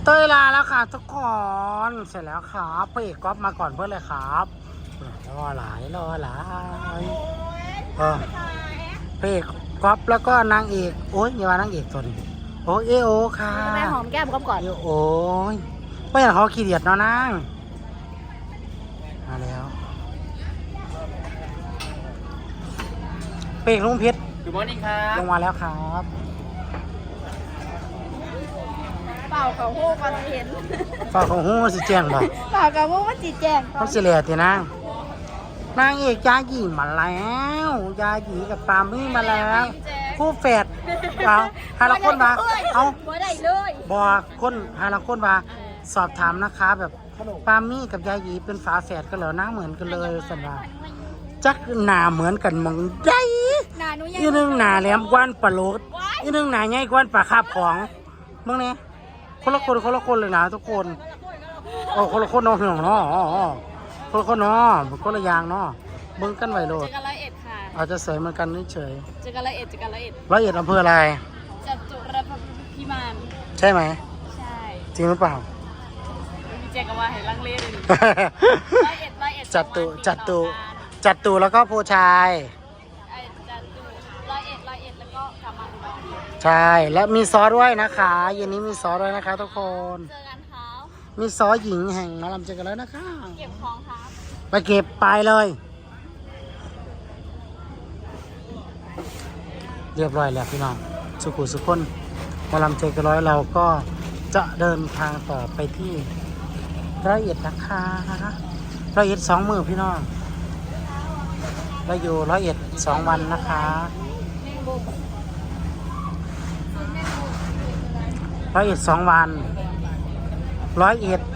เต้ยลาแล้วค่ะทุกคนเสร็จแล้วครับพระเอกก๊อฟมาก่อนเพื่อนเลยครับรอหลายพระเอกก๊อฟแล้วก็นางเอกโอ๊ยอย่าว่านางเอกตัวนี้โอ้เอโอค่ะแม่หอมแก้มก๊อฟก่อนโอ้ยไม่อยากเขาขี้เดียดเนาะนางมาแล้วพระเอกลุงเพชร Good morning ครับลงมาแล้วครับเปล่าเขาหู้ก่อนเห็นฝากของหูสิแจ้งบ่เปล่าเขาหู้ว่าจีแจงก่อเขานสิเหลือทีนางเอกยาหยีมาแล้วยาหยีกับปามี่มาแล้วคู่แฝดเอาฮาละคนมาเอาบ่ได้เลยบอกคนฮาละคนมาสอบถามนะคะแบบปามี่กับยาหยีเป็นฝาแฝดกันเหรอหน้าเหมือนกันเลยสันว่าจักหน้าเหมือนกันมองใหญ่หนาหนูยังอีนึงหน้าแหลมกวนปลาโลดอีนึงหน้าใหญ่กวนปลาคาบของมึงเนี่ยคนละคนเลยนะทุกคนโอ้คนละคนเนาะพี่น้องเนาะคนละคนเนาะคนละอย่างเนาะเบิ่งกันไว้โลดเจอกัน101ค่ะอาจจะสวยเหมือนกันเฉยเจอกัน101เจอกัน101 ร้อยเอ็ดอำเภออะไรจตุรพักษ์พิมานใช่ไหมใช่จริงหรือเปล่าพี่แจงก็ว่าให้ลังเลเลย101 จัดตูแล้วก็ผู้ชายจัตุ101แล้วก็กลับมาอุดรใช่และมีซอสด้วยนะคะเย็นนี้มีซอสด้วยนะคะทุกคนเจอกันครับมีซอสหญิงแห่งหมอลำเจอกันแล้วนะคะเก็บของครับไปเก็บไปเลย เรียบร้อยแล้วพี่น้องสุขุสุขคนหมอลำเจอกันร้อยเราก็จะเดินทางต่อไปที่ร้อยเอ็ดนะคะร้อยเอ็ด2 มื้อพี่น้องเราอยู่ร้อยเอ็ด2 วันนะคะร้อยเอ็ด2 วันร้อยเอ็ด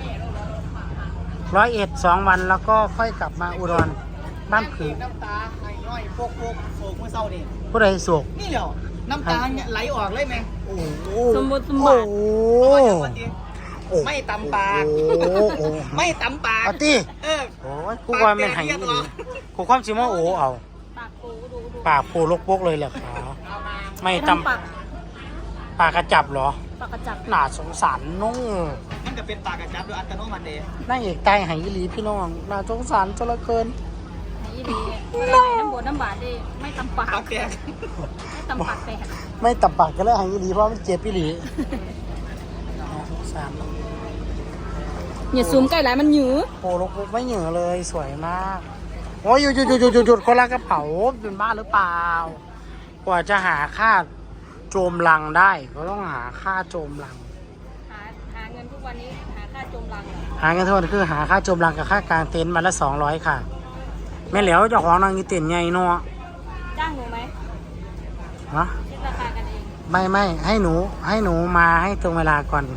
2 วันแล้วก็ค่อยกลับมาอุดรบ้านผือน้ำตาไอ้น้อยโปกโศกเมื่อเช้านี่ผู้ใดสุกนี่เหรอน้ำตาเนี่ยไหลออกเลยไหมโอ้โหสมบูรณ์สมโอ้บัติโหไม่ตำปากโอ้ไม่ตำปากเอาตีเออโอ้ยกูว่ามันหายอีหลีกูความสิมาโอ้เอาปากปูดูปากโผล่ลกปกเลยเหรอคะไม่ตำปากปากกระจับเหรอปากกระจับน่าสงสารนุ่งมันก็เป็นปากกระจับโดยอัตโนมัติเดย์นางเอกตายหายอีหลีพี่น้องน่าสงสารจนเหลือเกินไหนดีน้ำบดน้ำบาดดิไม่ตำปากปากแตกไม่ตำปากแตกไม่ตับปากกันแล้วหายอีหลีเพราะมันเจ็บอีหลีน่าสงสารอย่าซูมใกล้หลายมันหยือโอ้ลกปกไม่เหนือเลยสวยมากโอ้ยหยุดคนละกระเป๋าเป็นบ้าหรือเปล่ากว่าจะหาค่าโจมลังได้ก็ต้องหาค่าโจมลังหาเงินทุกวันนี้หาค่าจมรังหาเงินทุกวันคือหาค่าโจมลังกับค่ากลางเต็นท์มาละ200ค่ะแม่เหลียวเจ้าของนางนี่เต็นท์ใหญ่เนาะจ้างหนูไหมฮะคิดราคากันเองไม่ให้หนูมาให้ตรงเวลาก่อน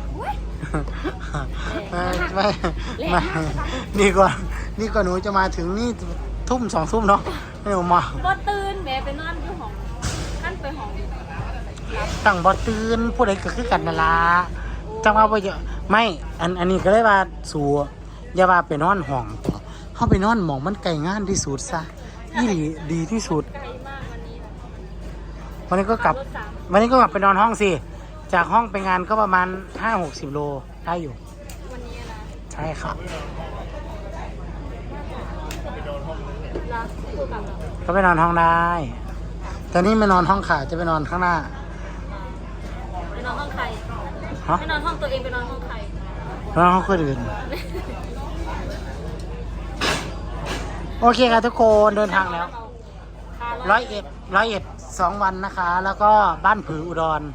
ไม่นี่ก่อนหนูจะมาถึงนี่ทุ่ม2 ทุ่มเนาะให้หนูมาบ่ตื่นแม่ไปนอนอยู่ห้องขั้นไปห้องตั้งบ่ตื่นผู้ใดก็คือกันนั่นล่ะจังว่าบ่เยอะไม่อันนี้ก็เลยว่าสู่อย่าว่าไปนอนห้องเฮาไปนอนหม่องมันไกลงานที่สุดซะอีหลีดีที่สุดไกลมากวันนี้วันนี้ก็กลับไปนอนห้องสิจากห้องไปงานก็ประมาณ 5-60 โลได้อยู่วันนี้นะใช่ครับลาคู่กับเราก็ไปนอนห้องได้แต่นี่ไม่นอนห้องขาจะไปนอนข้างหน้าไปนอนห้องใครฮะไปนอนห้องตัวเองไปนอนห้องใครนอนห้องคนอื่นโอเคครับทุกคนเดินทางแล้วร้อยเอ็ด2 วันนะคะ แล้วก็บ้านผืออุดร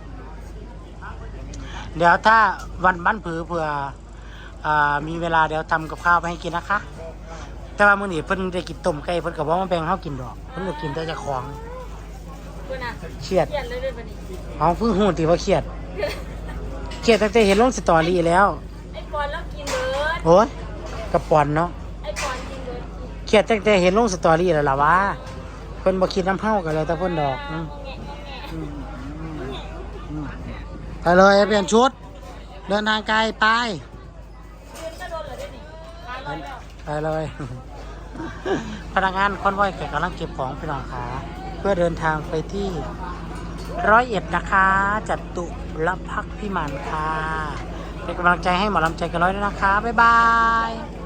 เดี๋ยวถ้าวันบ้านผือเผื่อมีเวลาเดี๋ยวทำกับข้าวไปให้กินนะคะ แต่ว่ามื้อนี้เพิ่นได้กินต้มไก่เพิ่นก็บ่มาแบ่งเฮากินดอกเพิ่นก็กินแต่เจ้าของเพื่อนอ่ะเครียดเครียดเลยวันนี้เอาเพิ่งฮู้ติว่าเครียดตั้งแต่เห็นลงสตอรี่แล้วไอ้ปอนแล้วกินเบิร์ดโอ้ยกระป๋อนเนาะไอ้ปอนกินเบิร์ดเครียดตั้งแต่เห็นลงสตอรี่แล้วล่ะว่าเพิ่นบ่คิดน้ำเฮากันเลยแต่เพิ่นดอกไปเลยเปลี่ยนชุด เดินทางไกลไปเดือนก็โดนเหรอเดี๋ยวนี้มาร้อยแล้วไปเลย พนักงานคอนวอยกำลังเก็บของพี่น้องขาเพื่อเดินทางไปที่101นะคะจัตุรพักษ์พิมานค่ะเป็นกำลังใจให้หมอลำใจเกันร้อยด้วยนะคะ บ๊ายบาย